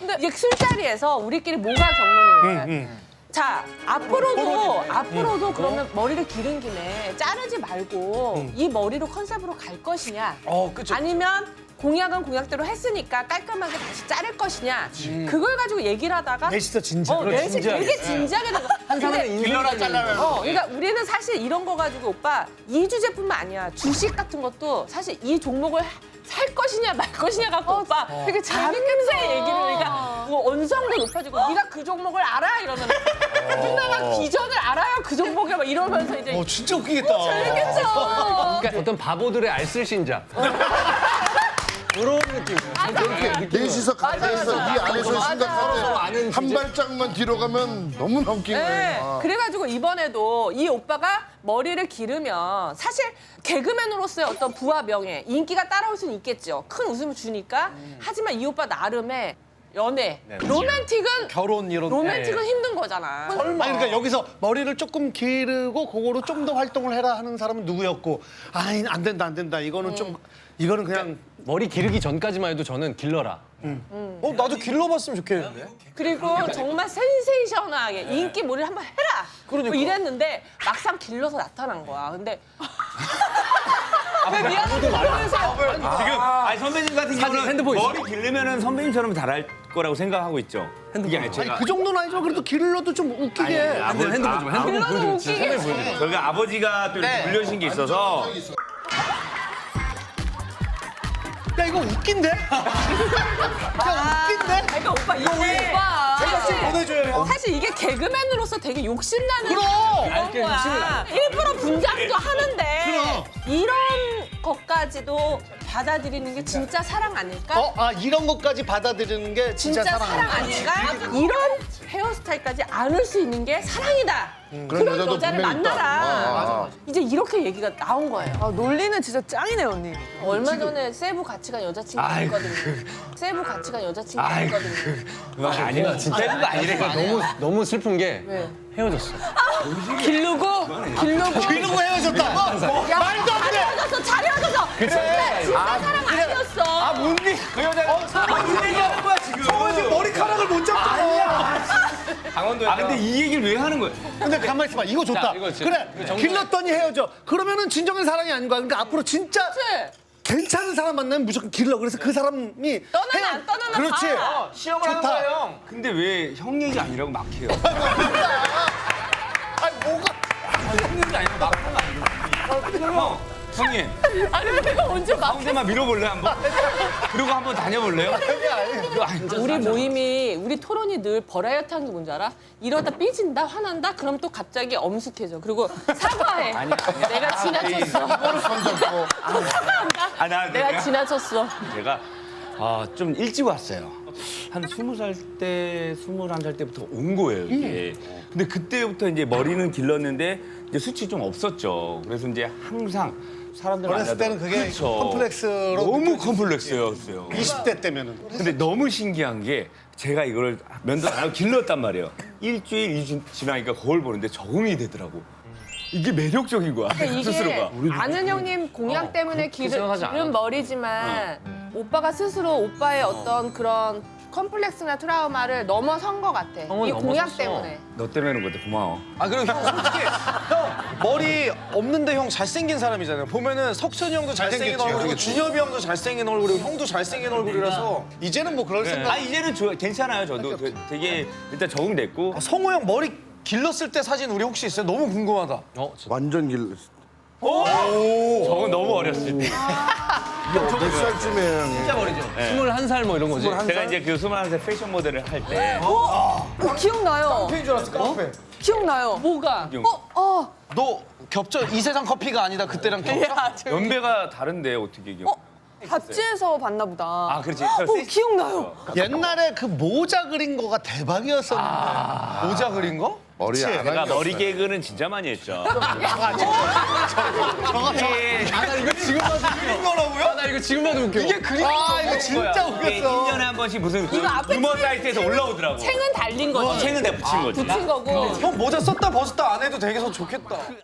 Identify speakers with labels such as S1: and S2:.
S1: 근데 이게 술자리에서 우리끼리 뭐가 경론인 거야. 자, 앞으로도 그러면 머리를 기른 김에 자르지 말고 이 머리로 컨셉으로 갈 것이냐.
S2: 그쵸.
S1: 아니면 공약은 공약대로 했으니까 깔끔하게 다시 자를 것이냐. 그걸 가지고 얘기를 하다가
S2: 넷이서 진지하게.
S1: 넷이 되게 진지하게 된 거야.
S3: 한 사람은
S4: 길러라 잘라라.
S1: 그러니까 우리는 사실 이런 거 가지고 오빠 이 주제뿐만 아니야. 주식 같은 것도 사실 이 종목을 살 것이냐 말 것이냐 갖고 오빠 되게 재밌게 얘기를 그러니까 뭐 언성도 높아지고 네가 그 종목을 알아 이러면 누나가 비전을 알아요 그 종목에 막 이러면서 이제
S2: 진짜 웃기겠다.
S1: 재밌겠죠.
S3: 그러니까 어떤 바보들의 알쓸신자. 그런 느낌이에요.
S5: 넷이서 가게에서 이 안에서
S1: 맞아.
S5: 생각하는데 한 발짝만 뒤로 가면 너무 넘긴
S1: 네.
S5: 거예요.
S1: 그래가지고 이번에도 이 오빠가 머리를 기르면 사실 개그맨으로서의 어떤 부와 명예, 인기가 따라올 수는 있겠죠. 큰 웃음을 주니까. 하지만 이 오빠 나름의 연애, 로맨틱은
S2: 결혼 이런.
S1: 로맨틱은 힘든 거잖아.
S2: 아니 그러니까 여기서 머리를 조금 기르고 그거로 좀 더 활동을 해라 하는 사람은 누구였고 아니 안 된다 이거는 좀 이거는 그냥
S3: 머리 기르기 전까지만 해도 저는 길러라.
S2: 나도 길러봤으면 좋겠는데.
S1: 그리고 정말 센세이셔널하게 인기 몰이를 한번 해라. 뭐 이랬는데 막상 길러서 나타난 거야. 근데 왜 미안하게 그러세요?
S4: 지금 아니 선배님 같은 경우는
S3: 핸드폰 있어.
S4: 머리 기르면은 선배님처럼 잘할 거라고 생각하고 있죠. 이게 아니 제가
S2: 그 정도는 아니지만 그래도 길러도 좀 웃기게.
S3: 핸드폰 좀 핸드폰
S1: 길러도
S3: 보여줘.
S1: 웃기게.
S4: 저희가 아버지가 또 이렇게 물려주신 게 있어서
S2: 야 이거 웃긴데? 야 웃긴데?
S1: 그러니까 오빠 이게
S2: 제가 보내줘요.
S1: 사실 이게 개그맨으로서 되게 욕심나는
S2: 그럼!
S1: 그런 거야. 일부러 분장도 하는데
S2: 그럼!
S1: 이런 것까지도 받아들이는 게 진짜 사랑 아닐까?
S2: 이런 것까지 받아들이는 게 진짜,
S1: 진짜 사랑 아닐까? 이런 헤어스타일까지 안을 수 있는 게 사랑이다. 그런
S5: 여자도
S1: 여자를
S5: 분명히 있다.
S1: 만나라. 이제 이렇게 얘기가 나온 거예요.
S6: 논리는 진짜 짱이네 언니.
S1: 얼마 전에 세부 같이 간 여자친구가 있거든요. 세부 같이 간 여자친구가 있거든요.
S4: 아니야 진짜 그거 아니래.
S3: 너무 슬픈 게
S1: 왜?
S3: 헤어졌어.
S1: 기르고
S2: 이러고 헤어졌다. 말도 안 돼.
S1: 잘 헤어졌어. 진짜 사랑 아니었어.
S2: 문디 그 여자
S4: 무슨 얘기하는 거야 지금?
S2: 지금 머리카락을 못 잡잖아.
S4: 강원도에. 근데 이 얘기를 왜 하는 거야?
S2: 근데 가만 있어봐. 이거 좋다.
S3: 자, 이거 진짜-
S2: 그래. 길렀더니 헤어져. 그러면은 진정한 사랑이 아닌 거야. 그러니까 앞으로 진짜
S1: 그치?
S2: 괜찮은 사람 만나면 무조건 길러. 그래서 그 사람이
S1: 떠나나 안 떠나나
S2: 그렇지.
S1: 봐.
S4: 시험을 한
S2: 좋다.
S4: 거예요. 근데 왜 형 얘기 아니라고 막 해요?
S2: 아니 뭐가
S4: 형 얘기 아니라고 막 하는 거 아니에요? 형님
S1: 아니 내가 언제 막
S4: 가운데만 밀어볼래 한번? 그리고 한번 다녀볼래요? 그거 아니죠.
S1: 우리 모임이 우리 토론이 늘 버라이어티한 게 뭔지 알아? 이러다 삐진다 화난다 그럼 또 갑자기 엄숙해져 그리고 사과해 내가 지나쳤어
S5: 손잡고
S1: 사과한다 내가 지나쳤어
S4: 제가 좀 일찍 왔어요. 한 20살 때, 21살 때부터 온 거예요, 이게. 근데 그때부터 이제 머리는 길렀는데 이제 수치 좀 없었죠. 그래서 이제 항상 사람들
S2: 어렸을
S4: 만나도-
S2: 때는 그게
S4: 그쵸.
S2: 컴플렉스로
S4: 너무
S2: 느껴지지.
S4: 컴플렉스였어요.
S2: 20대 때면은.
S4: 근데 너무 신기한 게 제가 이걸 면도 안 하고 길렀단 말이에요. 일주일, 2주 지나니까 거울 보는데 적응이 되더라고. 이게 매력적인 거야,
S1: 이게
S4: 스스로가.
S1: 아는 형님 공약 때문에
S3: 생각하지 않아.
S1: 기른 머리지만 오빠가 스스로 오빠의 어떤 그런 컴플렉스나 트라우마를 넘어선 것 같아
S3: 형은
S1: 이 공약
S3: 넘어섰어.
S1: 때문에
S4: 너 때문에 그런 거다, 고마워.
S7: 아 그리고 형 솔직히 형 머리 없는데 형 잘생긴 사람이잖아요. 보면은 석천이 형도 잘생긴
S2: 잘생겼지,
S7: 얼굴이고 준엽이 형도 잘생긴 얼굴이고 형도 잘생긴 얼굴이라서 이제는 뭐 그럴 생각.
S4: 이제는 괜찮아요, 저도. 되게 일단 적응됐고.
S7: 성우 형 머리 길렀을 때 사진 우리 혹시 있어요? 너무 궁금하다.
S5: 완전 길.
S4: 저건 너무 어렸을 때.
S5: 몇 살쯤에 형이?
S4: 진짜 머리죠.
S3: 21살 뭐 이런 거지.
S4: 제가 이제 그 21살 패션 모델을 할 때.
S6: 기억나요.
S7: 깡패인 줄 알았어, 깡패.
S6: 기억나요.
S1: 뭐가?
S7: 너 겹쳐 이세상 커피가 아니다 그때랑 겹쳐?
S4: 연배가 다른데 어떻게 기억?
S6: 잡지에서 봤나 보다.
S4: 아, 그렇지.
S6: 기억나요.
S2: 옛날에 그 모자 그린 거가 대박이었었는데.
S7: 모자 그린 거?
S5: 머리 안
S4: 내가
S5: 한 게
S4: 머리
S5: 없어요.
S4: 개그는 진짜 많이 했죠.
S3: 나 이거 지금 봐도
S7: 그린 거라고요?
S3: 나 이거 지금 봐도 웃겨.
S7: 이게 그린
S2: 이거 진짜
S4: 이게
S2: 웃겼어.
S4: 1년에 한 번씩 무슨 그
S1: 이거 앞에
S4: 유머 사이트에서 올라오더라고.
S1: 챙은 달린 거지
S4: 챙은 내가 붙인 거지.
S1: 붙인 거고
S7: 형 모자 썼다 벗었다 안 해도 되게 좋겠다.